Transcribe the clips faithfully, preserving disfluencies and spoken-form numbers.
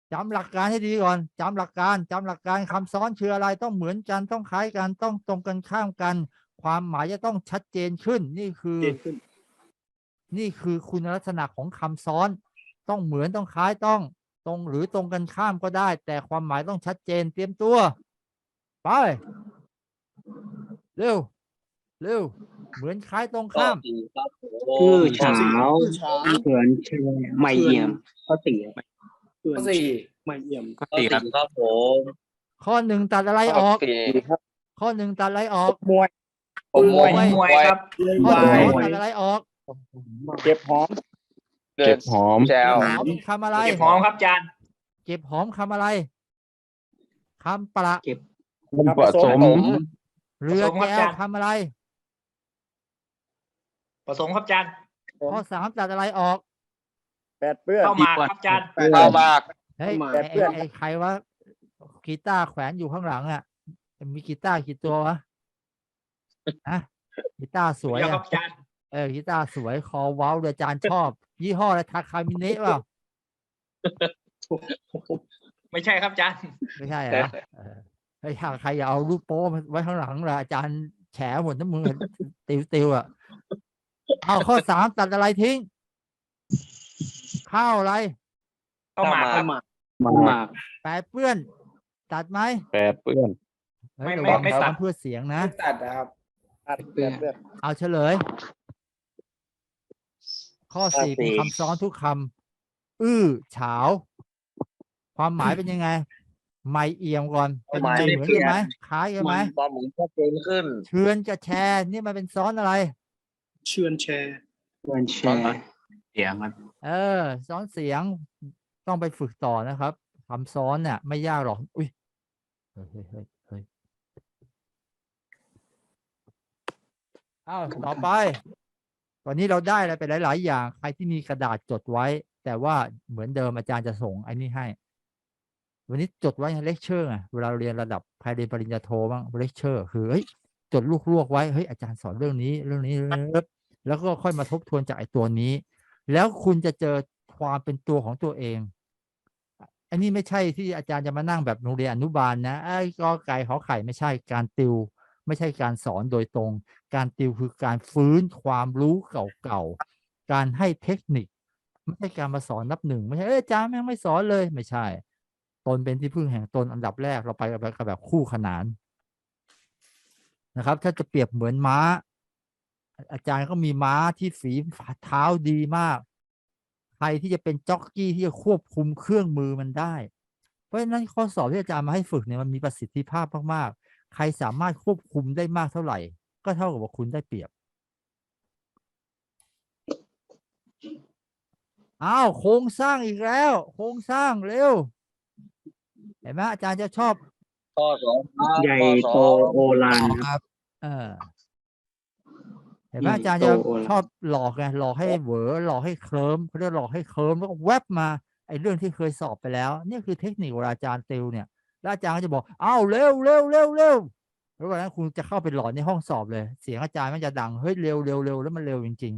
จำหลักการให้ดีก่อนจำหลักการจำหลักการคำซ้อนคืออะไรต้องเหมือนกันต้องคล้ายกันต้องตรงกันข้ามกัน ความหมายจะต้องชัดเจนขึ้นนี่คือนี่คือคุณลักษณะของคำซ้อนต้องเหมือนต้องคล้ายต้องตรงหรือตรงกันข้ามก็ได้ แต่ความหมายต้องชัดเจนเตรียมตัวไปเร็วเร็วเหมือนคล้ายตรงข้ามคือเช้าเขื่อนเชลไม่เอี่ยมข้อสี่ข้อสี่ไม่เอี่ยมข้อสี่ครับครับผมข้อหนึ่งตัดอะไรออก ข้อหนึ่งตัดอะไรออกมวยมวยมวยครับข้อสองตัดอะไรออกเก็บหอมเก็บหอมเก็บหอมเป็นคำอะไรเก็บหอมครับอาจารย์เก็บหอมคำอะไรคำประเก็บผสมเรือแก้วคำอะไรผสมครับอาจารย์ข้อสามตัดอะไรออกแปดเปื้อนเข้ามาครับอาจารย์เข้ามาเฮ้ยแปไอ้ดเปื้อนไอ้ไอ้ใครวะกีตาร์แขวนอยู่ข้างหลังอ่ะมีกีตาร์กี่ตัววะอะกีตาร์สวยเดี๋ยวครัอ่ะบอาจารย์เออกีตาร์สวยคอเว้าเลยอาจารย์ชอบ ยี่ห้ออะไรทาคามิเนะเปล่าไม่ใช่ครับอาจารย์ไม่ใช่เหรอเออเฮ้ยถ้าใครอย่าเอารูปโป้มาไว้ข้างหลังละอาจารย์แฉหมดน้ำมือติวติวอ่ะเอาข้อสามตัดอะไรทิ้ง ข้าวอะไรเข้ามาครับมาแปดเปื้อน ตัดไหมแปดเปื้อนเฮ้ยไม่ระวังไม่ซ้อตัมดเพื่อเสียงนะตัดนะครับตัดแปดเปื้อนเอาเฉลย ข้อสี่เป็นคำซ้อนทุกคำอื้อเฉาความหมายเป็นยังไง ไม่เอี่ยมก่อนเป็นยังไงเหมือนกันไหมคล้ายกันไหมความหมุนชัดเจนขึ้นเชือนกับแชร์นี่มันเป็นซ้อนอะไรเชื่อนแชร์เพื่อนแชร์เสียงครับเออ ซ้อนเสียงต้องไปฝึกต่อนะครับคำซ้อนเนี่ยไม่ยากหรอกอุ้ยเฮ้ยเฮ้ยเฮ้ยเฮ้ยอ้าวต่อไปตอนนี้เราได้อะไรไปหลาย ๆ อย่างใครที่มีกระดาษจดไว้ แต่ว่าเหมือนเดิมอาจารย์จะส่งไอ้นี่ให้ วันนี้จดไว้เลคเชอร์ไงเวลาเราเรียนระดับใครเรียนปริญญาโทบ้างเลคเชอร์คือเฮ้ยจดลูกลวกไว้เฮ้ยอาจารย์สอนเรื่องนี้เรื่องนี้แล้วก็ค่อยมาทบทวนจากไอ้ตัวนี้ แล้วคุณจะเจอความเป็นตัวของตัวเองอันนี้ไม่ใช่ที่อาจารย์จะมานั่งแบบโรงเรียนอนุบาลนะไอ้กอไก่ขอไข่ไม่ใช่การติวไม่ใช่การสอนโดยตรง การติวคือการฟื้นความรู้เก่าๆการให้เทคนิคไม่ใช่การมาสอนนับหนึ่งไม่ใช่เอออาจารย์แม่งไม่สอนเลยไม่ใช่ตนเป็นที่พึ่งแห่งตนอันดับแรกเราไปกับแบบแบบคู่ขนานนะครับ ถ้าจะเปรียบเหมือนม้าอาจารย์ก็มีม้าที่ฝีเท้าดีมากใครที่จะเป็นจ็อกกี้ที่จะควบคุมเครื่องมือมันได้เพราะฉะนั้นข้อสอบที่อาจารย์มาให้ฝึกเนี่ยมันมีประสิทธิภาพมากๆใครสามารถควบคุมได้มากเท่าไหร่ก็เท่ากับว่าคุณได้เปรียบอ้าวโครงสร้างอีกแล้วโครงสร้างเร็วเห็นไหมอาจารย์จะชอบข้อสองใหญ่โตโอฬารครับเออเห็นไหมอาจารย์จะชอบหลอกไงหลอกให้เหวอหลอกให้เคลิ้มเขาเรียกหลอกให้เคลิ้มแล้วก็แวบมาไอ้เรื่องที่เคยสอบไปแล้วนี่คือเทคนิคเวลาอาจารย์ติวเนี่ยแล้วอาจารย์ก็จะบอกอ้าวเร็วเร็วเร็วเร็วแล้ววันนั้นคุณจะเข้าไปหลอนในห้องสอบเลยเสียงอาจารย์มันจะดังเฮ้ยเร็วเร็วเร็วแล้วมันเร็วจริง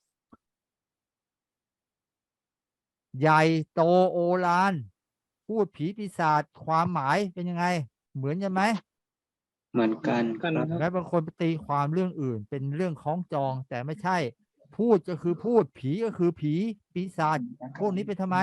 ๆใหญ่โตโอฬารพูดผีปีศาจความหมายเป็นยังไงเหมือนกันไหมเหมือนกันครับแม้บางคนไปตีความเรื่องอื่นเป็นเรื่องคล้องจองแต่ไม่ใช่พูดก็คือพูดผีก็คือผีปีศาจพวกนี้เป็นทำไม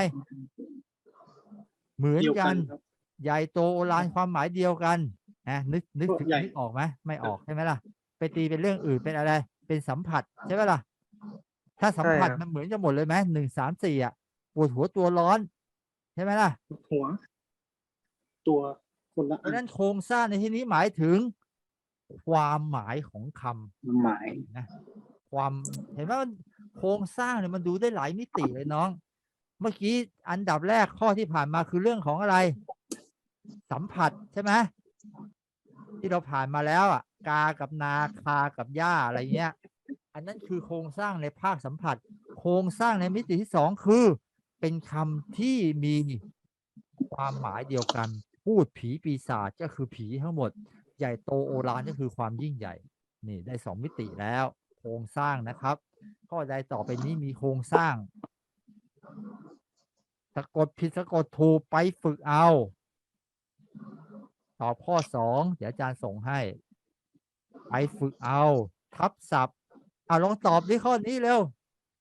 เหมือนกันใหญ่โตโอฬารความหมายเดียวกันนะนึกนึกถึงนึกออกไหมไม่ออกใช่ไหมล่ะไปตีเป็นเรื่องอื่นเป็นอะไรเป็นสัมผัสใช่ไหมล่ะถ้าสัมผัสมันเหมือนกันหมดเลยไหมหนึ่งสามสี่อ่ะปวดหัวตัวร้อนใช่ไหมล่ะหัว ตัวคนละเพราะนั้นโครงสร้างในที่นี้หมายถึงความหมายของคำหมายนะความเห็นไหมมันโครงสร้างเนี่ยมันดูได้หลายมิติเลยน้อง เมื่อกี้อันดับแรกข้อที่ผ่านมาคือเรื่องของอะไร สัมผัสใช่ไหมที่เราผ่านมาแล้วอ่ะกากับนาคากับหญ้าอะไรเงี้ยอันนั้นคือโครงสร้างในภาคสัมผัส โครงสร้างในมิติที่สองคือเป็นคำที่มีความหมายเดียวกัน พูดผีปีศาจก็คือผีทั้งหมดใหญ่โตโอฬารก็คือความยิ่งใหญ่นี่ได้สองมิติแล้วโครงสร้างนะครับข้อใดต่อไปนี้มีโครงสร้างสะกดผิดสะกดถูกไปฝึกเอาตอบข้อสองเดี๋ยวอาจารย์ส่งให้ไปฝึกเอาทับศัพท์อ่ะลองตอบดิข้อนี้เร็ว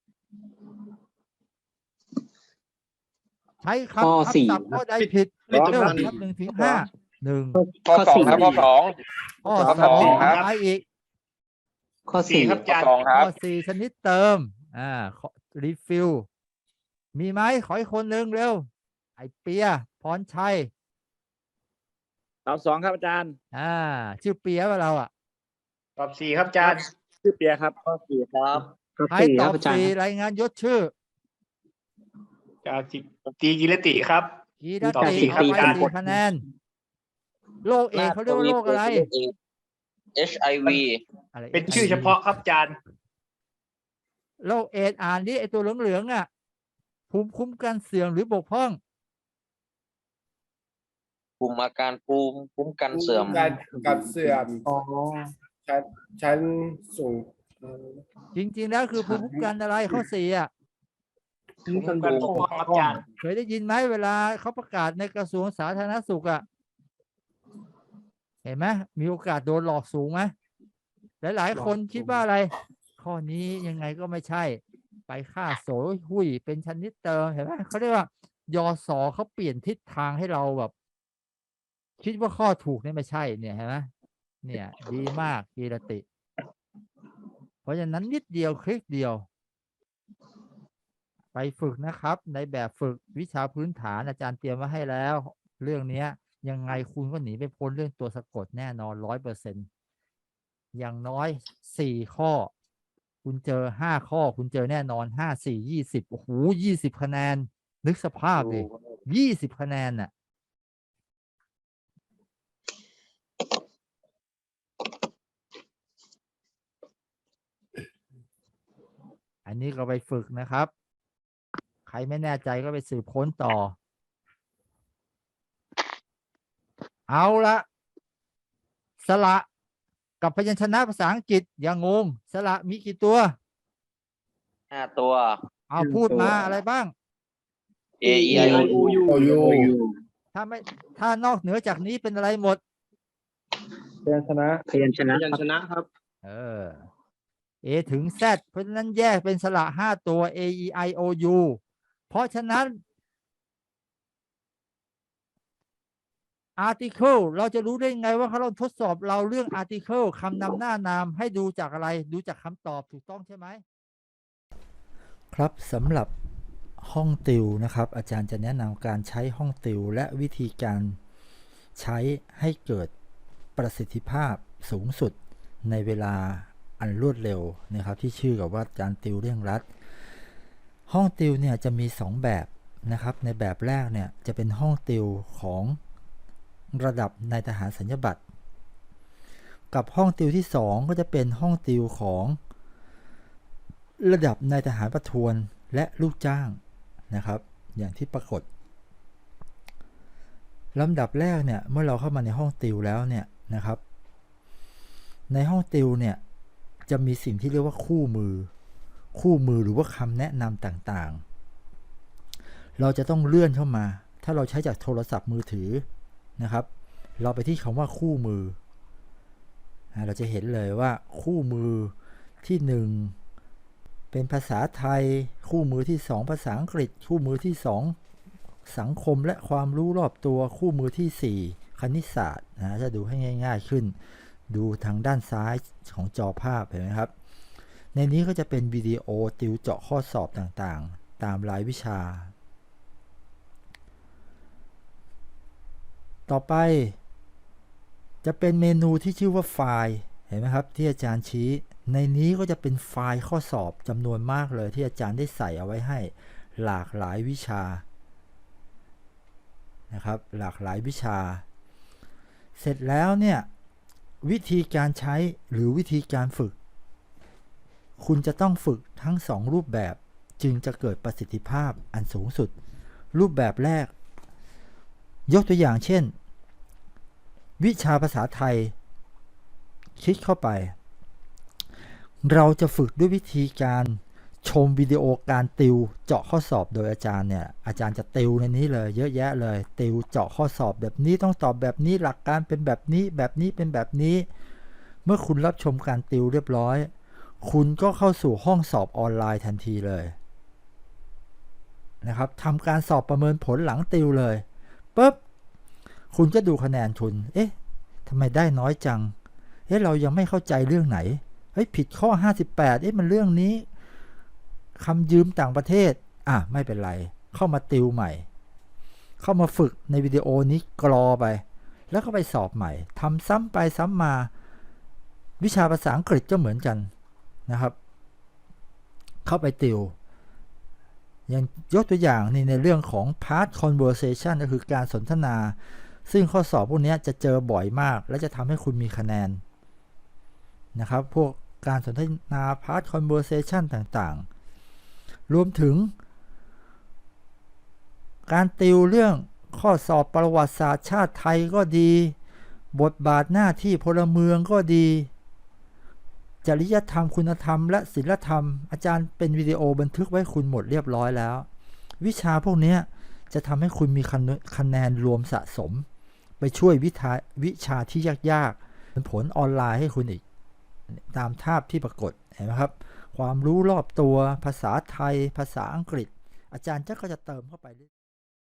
ใช้ข้อคำทับสี่ศัพท์ข้อใดผิดเล่นเร็วจำนวนนับหนึ่งถึงห้าหนึ่งข้อสองครับข้อสองข้อข้อสสออง งครับอะไรอีกข้อสี่ข้อสองคข้รับอสี่ชนิดเติมอ่ารีฟิลมีไหมขออีกคนหนึ่งเร็วไอเปียพรชัยตอบสองครับอาจารย์อ่าชื่อเปียว่าเราอ่ะตอบสี่ครับอาจารย์ชื่อเปียครับข้อสี่ครับข้อใครสี่ตคอรับบอาจารสี่ย์รายงานยศชื่อจาจิตีกิรติครับกีรตอบติสี่เอาครับไปอาจารย์สี่คะแนนโรคเอดส์เขาเรียกว่าโรคอะไรเอช ไอ วีอะไรเป็นชื่อเฉพาะครับอาจารย์โรคเอดส์อ่านดิไอตัวเหลืองๆอ่ะภูมิคุ้มกันเสื่อมหรือบกพร่องกลุ่มอาการภูมิคุ้มกันเสื่อมการการเสื่อมอ๋อชั้นชั้นสูงเอ่อจริงๆแล้วคือภูมิคุ้มกันอะไรข้อสี่อ่ะคุ้มกันปกป้องครับอาจารย์เคยได้ยินไหมเวลาเขาประกาศในกระทรวงสาธารณสุขอ่ะเห็นไหมมีโอกาสโดนหลอกสูงไหมหลายๆคนคิดว่าอะไร ข้อนี้ยังไงก็ไม่ใช่ ไปฆ่าโสหุยเป็นชนิดเติมเห็นไหมเขาเรียกว่ายอสอเขาเปลี่ยนทิศทางให้เราแบบ คิดว่าข้อถูกเนี่ยไม่ใช่เนี่ยเห็นไหมเนี่ย ดีมากกีรติ เพราะฉะนั้นนิดเดียวคลิกเดียว ไปฝึกนะครับ ในแบบฝึกวิชาพื้นฐานอาจารย์เตรียมไว้ให้แล้ว เรื่องเนี้ย ยังไงคุณก็หนีไม่พ้นเรื่องตัวสะกดแน่นอนร้อยเปอร์เซ็นต์อย่างน้อยสี่ข้อ คุณเจอห้าข้อ คุณเจอแน่นอนห้าสี่ยี่สิบโอ้โหยี่สิบคะแนน นึกสภาพดิยี่สิบคะแนนน่ะ อันนี้ก็ไปฝึกนะครับ ใครไม่แน่ใจก็ไปสืบค้นต่อ เอาละสระกับพยัญชนะภาษาอังกฤษอย่างงงสระมีกี่ตัวห้าตัวเอาพูดมาอะไรบ้าง A E I O U โอยูถ้าไม่ถ้านอกเหนือจากนี้เป็นอะไรหมดพยัญชนะพยัญชนะพยัญชนะครับเออ A ถึง Z เพราะฉะนั้นแยกเป็นสระห้าตัว A E I O U เพราะฉะนั้น article เราจะรู้ได้ไงว่าเขาเราทดสอบเราเรื่อง article คำนำหน้านามให้ดูจากอะไร ดูจากคำตอบถูกต้องใช่ไหม ครับสำหรับห้องติวนะครับ อาจารย์จะแนะนำการใช้ห้องติวและวิธีการใช้ให้เกิดประสิทธิภาพสูงสุดในเวลาอันรวดเร็วนะครับ ที่ชื่อกับว่าการติวเร่งรัด ห้องติวเนี่ยจะมีสองแบบนะครับ ในแบบแรกเนี่ยจะเป็นห้องติวของระดับนายทหารสัญญาบัตรกับห้องติวที่สองก็จะเป็นห้องติวของระดับนายทหารประทวนและลูกจ้างนะครับอย่างที่ปรากฏลำดับแรกเนี่ยเมื่อเราเข้ามาในห้องติวแล้วเนี่ยนะครับในห้องติวเนี่ยจะมีสิ่งที่เรียกว่าคู่มือคู่มือหรือว่าคำแนะนำต่างๆเราจะต้องเลื่อนเข้ามาถ้าเราใช้จากโทรศัพท์มือถือนะครับเราไปที่คำว่าคู่มือเราจะเห็นเลยว่าคู่มือที่หนึ่งเป็นภาษาไทยคู่มือที่สองภาษาอังกฤษคู่มือที่สองสังคมและความรู้รอบตัวคู่มือที่สี่คณิตศาสตร์นะจะดูให้ง่ายๆขึ้นดูทางด้านซ้ายของจอภาพเห็นไหมครับในนี้ก็จะเป็นวิดีโอติวเจาะข้อสอบต่างๆตามรายวิชาต่อไปจะเป็นเมนูที่ชื่อว่าไฟล์เห็นไหมครับที่อาจารย์ชี้ในนี้ก็จะเป็นไฟล์ข้อสอบจำนวนมากเลยที่อาจารย์ได้ใส่เอาไว้ให้หลากหลายวิชานะครับหลากหลายวิชาเสร็จแล้วเนี่ยวิธีการใช้หรือวิธีการฝึกคุณจะต้องฝึกทั้งสองรูปแบบจึงจะเกิดประสิทธิภาพอันสูงสุดรูปแบบแรกยกตัวอย่างเช่นวิชาภาษาไทยคลิกเข้าไปเราจะฝึกด้วยวิธีการชมวิดีโอการติวเจาะข้อสอบโดยอาจารย์เนี่ยอาจารย์จะติวในนี้เลยเยอะแยะเลยติวเจาะข้อสอบแบบนี้ต้องตอบแบบนี้หลักการเป็นแบบนี้แบบนี้เป็นแบบนี้เมื่อคุณรับชมการติวเรียบร้อยคุณก็เข้าสู่ห้องสอบออนไลน์ทันทีเลยนะครับทำการสอบประเมินผลหลังติวเลยปุ๊บคุณก็ดูคะแนนคุณเอ๊ะทำไมได้น้อยจังเอ๊ะเรายังไม่เข้าใจเรื่องไหนเฮ้ยผิดข้อห้าสิบแปดเอ๊ะมันเรื่องนี้คำยืมต่างประเทศอ่ะไม่เป็นไรเข้ามาติวใหม่เข้ามาฝึกในวิดีโอนี้กรอไปแล้วก็ไปสอบใหม่ทำซ้ำไปซ้ำมาวิชาภาษาอังกฤษก็เหมือนกันนะครับเข้าไปติวอย่างยกตัวอย่างนี่ในเรื่องของ part conversation ก็คือการสนทนาซึ่งข้อสอบพวกนี้จะเจอบ่อยมากและจะทำให้คุณมีคะแนนนะครับพวกการสนทนา part conversation ต่างๆรวมถึงการติวเรื่องข้อสอบประวัติศาสตร์ชาติไทยก็ดีบทบาทหน้าที่พลเมืองก็ดีจริยธรรมคุณธรรมและศีลธรรมอาจารย์เป็นวิดีโอบันทึกไว้คุณหมดเรียบร้อยแล้ววิชาพวกนี้จะทำให้คุณมีคะแนนรวมสะสมไปช่วยวิชาวิชาที่ยากๆเป็นผลออนไลน์ให้คุณอีกตามภาพที่ปรากฏเห็นไหมครับความรู้รอบตัวภาษาไทยภาษาอังกฤษอาจารย์ก็จะเติมเข้าไปเรื่อย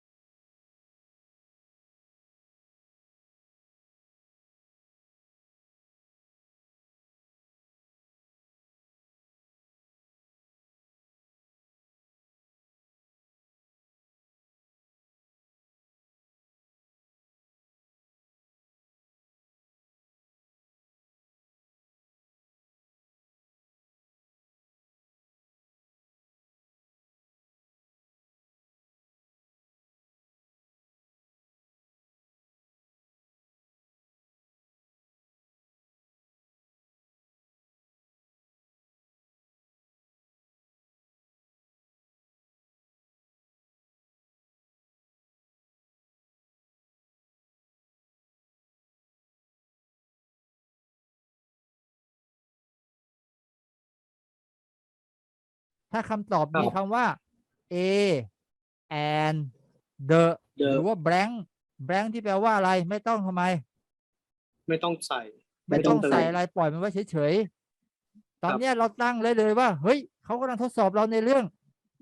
ถ้าคำตอบมีคำว่า A and the หรือว่า blank blank ที่แปลว่าอะไรไม่ต้องทำไมไม่ต้องใส่ไม่ต้องใส่อะไรปล่อยมันไว้เฉยๆตอนเนี้ยเราตั้งเลยเลยว่าเฮ้ยเขากำลังทดสอบเราในเรื่อง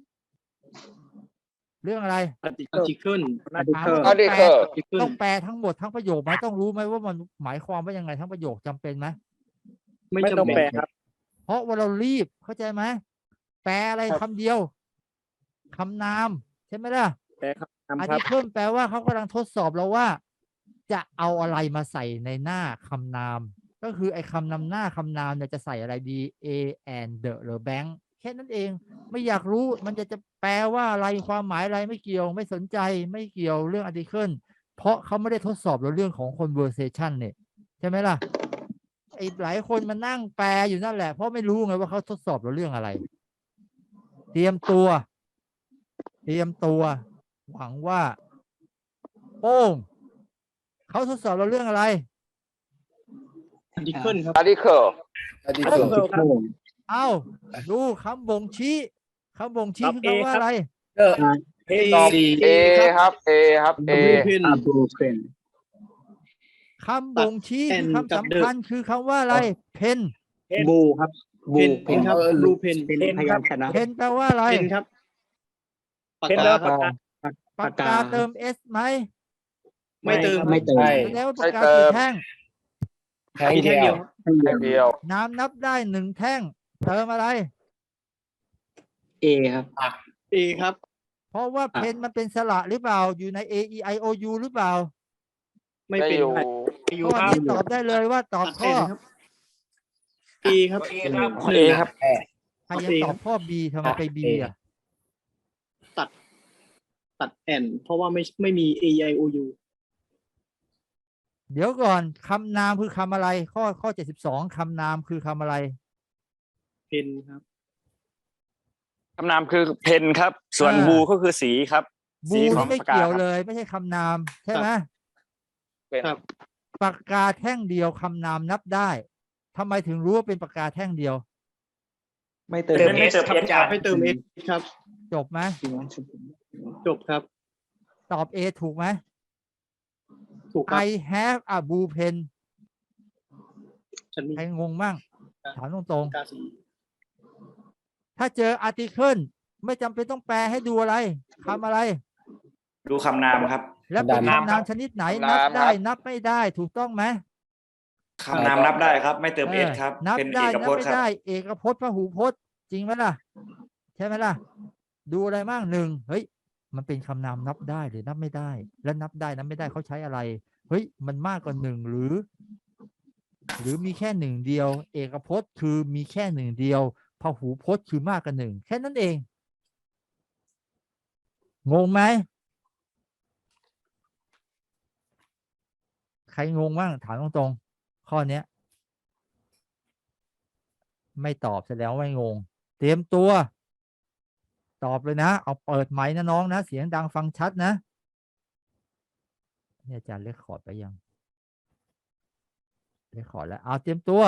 เรื่องอะไร article ถามว่าอาต้องร์ติแปลเคิลต้องแปลทั้งหมดทั้งประโยคไหมต้องรู้ไหมว่ามันหมายความว่ายังไงทั้งประโยคจำเป็นไหมไม่จำเป็นครับเพราะว่าเรารีบเข้าใจไหมแปลอะไรครับคำเดียวคำนามใช่ไหมล่ะแปลครับอาครัทิบเพิ่มแปลว่าเขากำลังทดสอบเราว่าจะเอาอะไรมาใส่ในหน้าคำนามก็คือไอ้คำนำหน้าคำนามเนี่ยจะใส่อะไรดี A and the หรือ bank แค่นั้นเองไม่อยากรู้มันจะจะแปลว่าอะไรความหมายอะไรไม่เกี่ยวไม่สนใจไม่เกี่ยวเรื่อง article เพราะเขาไม่ได้ทดสอบเราเรื่องของ conversation เนี่ยใช่ไหมล่ะไอ้หลายคนมานั่งแปลอยู่นั่นแหละเพราะไม่รู้ไงว่าเขาทดสอบเราเรื่องอะไร เตรียมตัวเตรียมตัวหวังว่าโป้งเขาทดสอบเราเรื่องอะไร article ครับอาร์ติเคิลอันนี้คือเอ้าดูคำบ่งชี้คำบ่งชี้ครับคือคำว่าอะไรเออ A ตอบ A ครับ A ครับ A blueprint คำบ่งชี้คือคำกับสำคัญคือคำว่าอะไร เพนบูครับบูเพนเพนครับ blueprint เป็นพยัญชนะเพนแปลว่าอะไรเพนครับปากเป็นกาแล้วครับปากกาเติม S ไหมไม่เติมไม่เติมใช่แสดงว่าปากกากี่แท่งแท่งมีเดีแค่ยเดียว วแค่เดียวน้ำนับได้หนึ่งแท่งเติมอะไรเอครับ A ครับเพราะว่าเพนมันเป็นสระหรือเปล่าอยู่ใน A E I O U หรือเปล่าไม่ได้เป็นอยู่ครับอยู่ข้อครับนี้ตอบได้เลยว่าตอบตัดข้อแอนครับ A ครับ A ครับหนึ่งครับใครยังตอบข้อ B ทำไมไป B อ่ะตัด ตัดแอนเพราะว่าไม่ไม่มี A I O U เดี๋ยวก่อนคำนามคือคำอะไร ข้อข้อเจ็ดสิบสองคำนามคือคำอะไรเพนครับคำนามคือเพนครับ ส่วนอ่าบูก็คือสีครับบูสีขอนี่งไม่ปากกาเกี่ยวครับเลย ไม่ใช่คำนามใช่ไหมเป็นครับปากกาแท่งเดียวคำนามนับได้ทำไมถึงรู้ว่าเป็นปากกาแท่งเดียวไม่เติมเติมไม่เติมเอสครับให้เติม S ครับจบไหมจบครับตอบ A ถูกไหมถูกครับ I have a blue pen ฉันมีใครงงบ้างถามตรงกาสีๆ ถ้าเจอ article ไม่จำเป็นต้องแปลให้ดูอะไรคำอะไรดูคำนามครับแล้วเป็นคำนามคำนามชนิดไหนคำนันาบมได้ครับนับไม่ได้ถูกต้องไหมคำนามนับได้ครับ ไม่เติมเอสครับนับเป็นได้เอกนัพบจน์ไม่ครับได้ เอกพจน์พหูพจน์จริงไหมล่ะ ใช่ไหมล่ะ ดูอะไรบ้างหนึ่งเฮ้ย มันเป็นคำนามนับได้หรือนับไม่ได้ แล้วนับได้นับไม่ได้เขาใช้อะไร เฮ้ย มันมากกว่าหนึ่งหรือ หรือมีแค่หนึ่งเดียว เอกพจน์คือมีแค่หนึ่งเดียวพหูพจน์คือมากกว่าหนึ่งแค่นั้นเอง งงไหม ใครงงบ้างถามตรงๆ ข้อเนี้ย ไม่ตอบแสดงว่าไม่งง เตรียมตัว ตอบเลยนะ เอาเปิดไมค์นะน้องนะ เสียงดังฟังชัดนะเนี่ยอาจารย์เรียกขอร์ดไปยังเรียกขอร์ดแล้ว เอาเตรียมตัว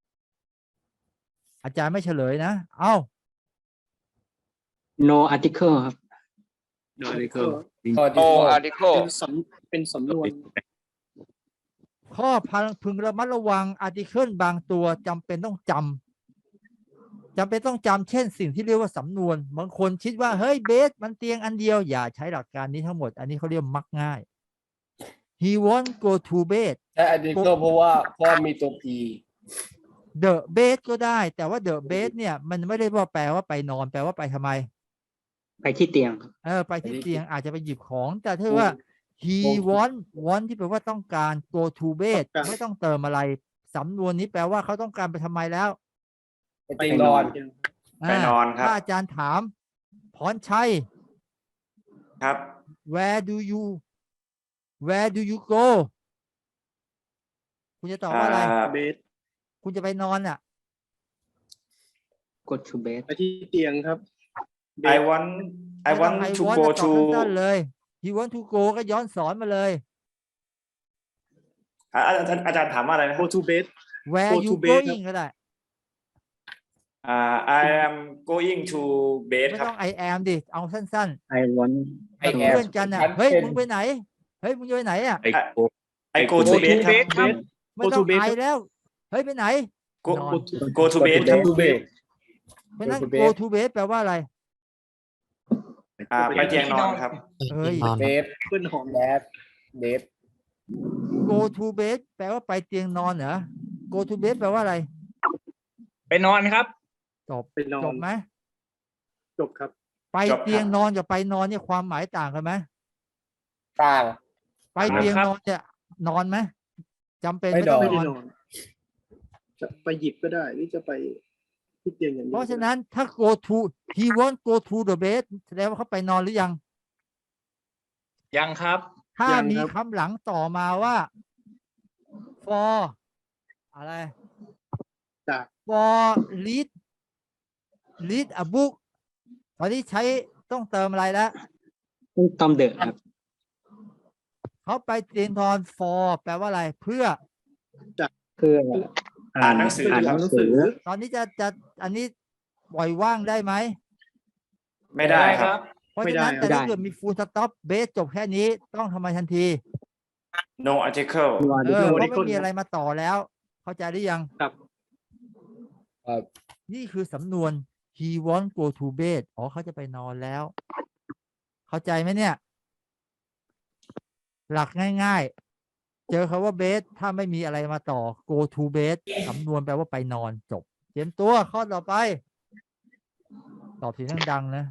อาจารย์ไม่เฉลยนะ เอา no article ครับ no article ข้อโอที่ข้ออาร์ติเคิลเป็นสำเป็นสำนวนข้อพังพึงระมัดระวัง article บางตัวจำเป็นต้องจำจำเป็นต้องจำเช่นสิ่งที่เรียกว่าสำนวน บางคนคิดว่า เฮ้ยเบสมันเตียงอันเดียว อย่าใช้หลักการนี้ทั้งหมด อันนี้เขาเรียกมักง่าย he want go to bed ใช่อันนี้ก็เพราะว่าเพราะมีตัว P the bed ก็ได้ แต่ว่า the bed เนี่ยมันไม่ได้ว่าแปลว่าไปนอน แปลว่าไปทำไมไปที่เตียงครับเออไปที่เตียงอาจจะไปหยิบของ แต่ถ้าว่า he want want ที่แปลว่าต้องการ go to bed ต้องการไม่ต้องเติมอะไรสำนวนนี้แปลว่าเขาต้องการไปทำไมแล้วไปเตียงนอนไปนอนครับถ้าอาจารย์ถามพรชัยครับ where do you where do you go คุณจะตอบว่าอะไรอ่าเบสคุณจะไปนอนอ่ะ go to bed ไปที่เตียงครับ I want I ไม่ต้อง want I to want go นะตอบ to สั้นๆเลย he want to go ก็ย้อนสอนมาเลยอ่าอาจารย์อาจารย์ถามว่าอะไรนะค go รับ to bed where Go you to bed ครับ going ก็ได้อ่า I am going to bed ไม่ครับต้อง I am ดิ เอาสั้น I want ๆเป็น I am เพื่อนกันอ่ะฉันเฮ้ยเป็นมึงไปไหน เฮ้ย มึงจะไปไหนอ่ะ I go to bed ครับไม่ Go ต้อ to ง bed ไอครับแล้ว เฮ้ย ไปไหน go นอน go to bed ครับ to bed เพราะฉะนั้น to bed go to bed แปลว่าอะไรอ่าไปเตียงนอนครับเฮ้ยเบสเพื่อนหอมแดดเบส go to bed แปลว่าไปเตียงนอนเหรอ go to bed แปลว่าอะไรไปนอนครับจบไปนอนจบไหมจบครับไปจบครับเตียงนอนกับไปนอนเนี่ยความหมายต่างกันไหมต่างไปเตียงนอนเนี่ยนอนไหมจำเป็นไม่ไม่ต้องนไม่นได้อนนอน จะไปหยิบก็ได้ หรือจะไปที่เตียงอย่างเดียวเพราะฉะนั้นถ้า go to he want go to the bed แสดงว่าเขาไปนอนหรือยังยังครับถ้ายังมีครับคำหลังต่อมาว่า for อะไรจาก for read read a book ตอนนี้ใช้ต้องเติมอะไรแล้วตอมเดอะครับเขาไปเตียงนอน for แปลว่าอะไร เพื่อเพื่ออ่านหนังสืออ่านคหรับนังสือตอนนี้จะจะอันนี้ปล่อยว่างได้ไหมไม่ได้ครับเพราะฉะนั้นไม่ได้แต่ถ้าไม่ได้เกิดมี full stop base จบแค่นี้ต้องทำไมทันที no article เออ no เพราะไม่ article มีอะไรมาต่อแล้ว เข้าใจหรือยังครับครับนี่คือสำนวน he want go to bed อ๋อเขาจะไปนอนแล้ว เข้าใจไหมเนี่ย หลักง่ายๆ เจอคาว่า bed ถ้าไม่มีอะไรมาต่อ go to bed สำนวนแปลว่าไปนอนจบ เตรียมตัวข้อต่อไป ตอบเสียงดังๆนะ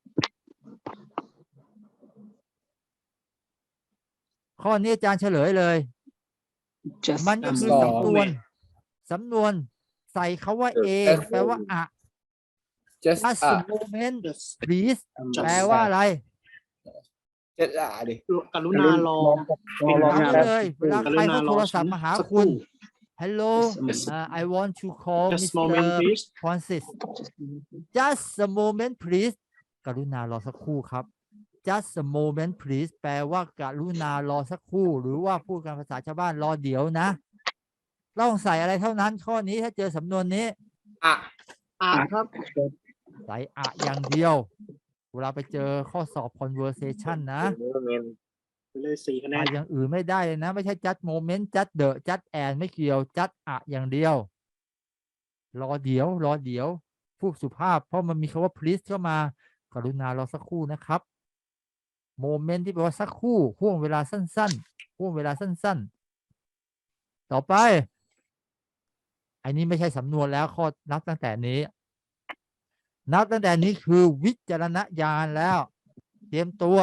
ข้อนี้อาจารย์เฉลยเลย just มันก็คือสองสำนวน สำนวนใส่คาว่า a แปลว่าอะ just just อ่ะ a moment just please just แปลว่าอะไร just อ่ะดิกรุณารอรอรอถามได้เลย เวลาใครเขาโทรศัพท์มาหาคุณ Hello uh, I want to call just moment Mister please Francis just a moment please กรุณารอสักครู่ครับ just a moment please แปลว่ากรุณารอสักครู่ หรือว่าพูดกันภาษาชาวบ้านรอเดี๋ยวนะ ต้องใส่อะไรเท่านั้น ข้อนี้ถ้าเจอสำนวนนี้อ่ะอ่ะครับใส่อะอย่างเดียว เวลาไปเจอข้อสอบ conversation นะไปเลยสี่คะแนอะนอย่างอื่นไม่ได้เลยนะ ไม่ใช่ just moment just the just and ไม่เกี่ยว just อะอย่างเดียว รอเดี๋ยว รอเดี๋ยวพูดสุภาพเพราะมันมีคำว่า please เข้ามากรุณารอสักครู่นะครับ โมเมนต์ที่แปลว่าสักครู่ห่วงเวลาสั้นๆห่วงเวลาสั้นๆ ต่อไป อันนี้ไม่ใช่สำนวนแล้วข้อนับตั้งแต่นี้ นับตั้งแต่นี้คือวิจารณญาณแล้ว เตรียมตัว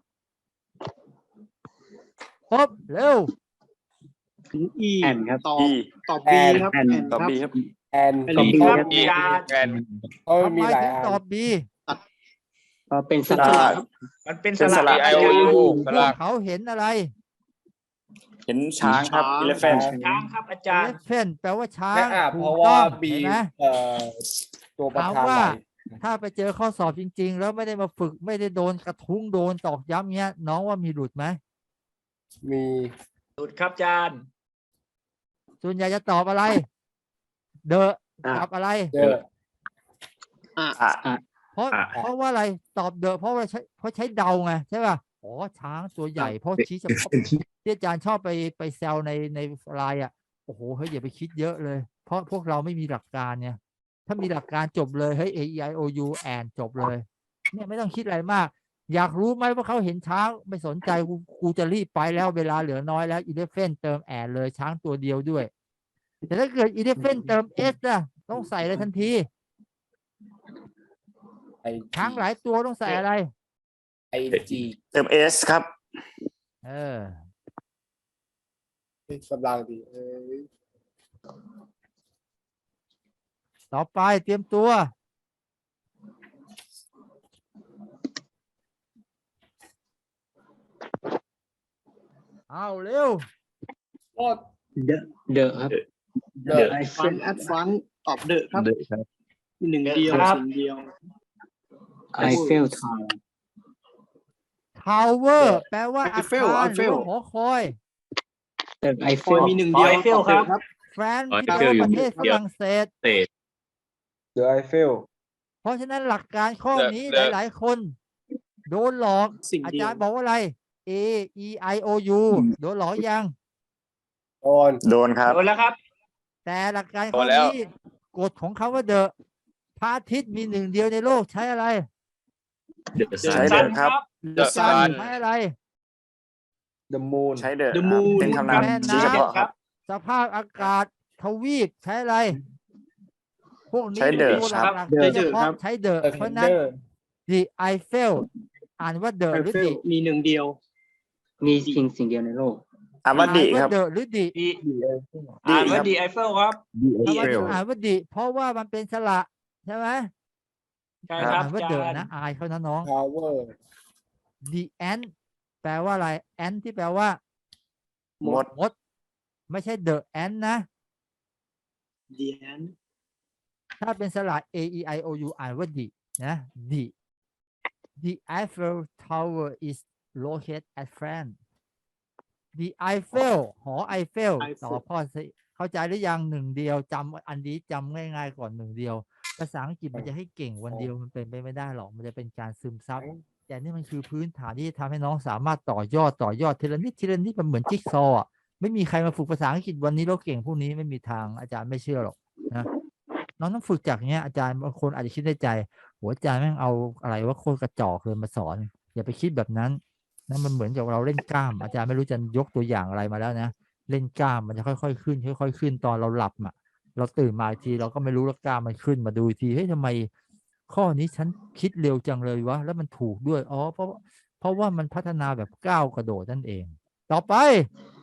พบเร็วถึง E แอนครับตอบ E ตอบ B แอนครับแอนแอนตอบครับ B ครับแอนเป็นตอบ B ครับครับอาจารย์แอนเพราะมันทำมีไมหลายถึงอันตอบ B ก็เป็นสสลัลับบครับมันเป็นสเป็นสระระอา I O จาร U ย์สพวระกเขาเห็นอะไรเห็นช้างครับช้าง elephant ช้างครับอาจารย์ elephant แปลว่าช้าแค่งอ่ะถูเพกราะต้ว่าองบีเห็นไหมเอ่อตัวประถามธานว่าหลายถ้าไปเจอข้อสอบจริง ๆ แล้วไม่ได้มาฝึกไม่ได้โดนกระทุ้งโดนตอกย้ำเงี้ย น้องว่ามีหลุดไหมมีสุดครับอาจารย์ส่วนใหญ่จะตอบอะไร เดอะอ่ะกับอะไรเดอะอ่ะอ่ะอ่ะเพราะอ่ะเพราะว่าอะไรตอบเดอะเพราะว่าใช้เพราะใช้เดาไงใช่ป่ะอ๋อช้างตัวใหญ่เพราะชี้เฉพาะที่อาจารย์ชอบไปไปแซวในในไลน์อ่ะโอ้โหเฮ้ยอย่าไปคิดเยอะเลย เพราะพวกเราไม่มีหลักการเนี่ยถ้ามีหลักการจบเลยเฮ้ย A E I O U แอนจบเลยเนี่ยไม่ต้องคิดอะไรมาก อยากรู้ไหมว่าเขาเห็นช้างไม่สนใจกูกูจะรีบไปแล้วเวลาเหลือน้อยแล้วอีเลฟเฟนเติมแอนเลยช้างตัวเดียวด้วย แต่ถ้าเกิดอีเลฟเฟนเติมเอสนะต้องใส่เลยทันทีไอช้างหลายตัวต้องใส่อะไรไอจีเติม S ครับเออกำลังดีเออต่อไปเตรียมตัว เอาเร็วก็เดอะเดอะครับเดอะไอฟันแอดฟันตอบเดอะครับมีหนึ่งเดียวครับสิ่งเดียวไอเฟลทาว tower แปลว่าอา Eiffel คารหรือ Eiffel ว่าหอคอยตึกไอเฟคอยลมีหนึ่งเดียวไอเฟลตอบดอะครับแฟรนซ์อ๋อที่แปลว่า Eiffel ประเทศอยู่ฝรั่งเศสเศษเดอะไอเฟลเพราะฉะนั้นหลักการข้อเดอะนี้เดอะหลาย ๆ คน โดนหลอกสิ่งอาเดียจาว รย์บอกว่าอะไร A E I O U โดนหลอกยังโดนโดนครับ โดนแล้วครับแต่หลักการโดข้อนแล้วนี้กฎของเขาว่าเดอะพระอาทิตย์มีหนึ่งเดียวในโลกใช้อะไรเดอะซัใช้นเดอะครับ The Sun Sun ใช้อะไรเดอะมูนใช้เดอะ The Moon เป็นคำนามแม่น้ำชี้เฉพาะครับสภาพอากาศทวีปใช้อะไร พวกนี้ใช้ The เป็นตัวครับหลัก The ๆโดยเฉพาะครับใช้เดอะเดอะเพเทราะนฉะเดนั้นอร์ The Eiffel อ่านว่าเดอะไอหรือเฟลดิมีหนึ่งเดียวมีสิ่งสิ่งเดียวในโลกอ่านว่าดีครับเดอะหรือดิดีอ่านว่าครับดีไอเฟลครับทำไมถึงอ่านว่าดิเพราะว่ามันเป็นสระใช่ไหมใช่ครับอ่านว่าอาเดจาอะรย์นะอายเขานะน้องทาวเวอร์ The ant แปลว่าอะไร ant ที่แปลว่าหมดมด ไม่ใช่ the ant นะเดียนถ้าเป็นสระ A E I O U อ่านว่าดินะ the the Eiffel Tower is located at France the Eiffel หอไอเฟล Eiffel ต่อพ่อสิเข้าใจหรือยังหนึ่งเดียวจำอันนี้จำง่ายๆก่อนหนึ่งเดียว ภาษาอังกฤษมันจะให้เก่งวันเดียวมันเป็นไปไม่ได้หรอกมันจะเป็นการซึมซับแต่นี่มันคือพื้นฐานที่จะทำให้น้องสามารถต่อยอดต่อยอดทีละนิดทีละนิดมันเหมือนจิ๊กซอว์อะไม่มีใครมาฝึกภาษาอังกฤษวันนี้แล้วเก่งพวกนี้ไม่มีทางอาจารย์ไม่เชื่อหรอกนะน้องต้องฝึกจากเนี้ยอาจารย์บางคนอาจจะคิดในใจหัวอาจารย์แม่งเอาอะไรว่าโคตรกระจอกเลยมาสอนอย่าไปคิดแบบนั้นนั่นมันเหมือนกับเราเล่นกล้ามอาจารย์ไม่รู้จะยกตัวอย่างอะไรมาแล้วนะเล่นกล้ามมันจะค่อยๆขึ้นค่อยๆขึ้นตอนเราหลับอ่ะเราตื่นมาอีกทีเราก็ไม่รู้แล้วกล้ามมันขึ้นมาดูอีกทีเฮ้ยทำไมข้อนี้ฉันคิดเร็วจังเลยวะแล้วมันถูกด้วยอ๋อเพราะเพราะว่ามันพัฒนาแบบก้าวกระโดดนั่นเองต่อไป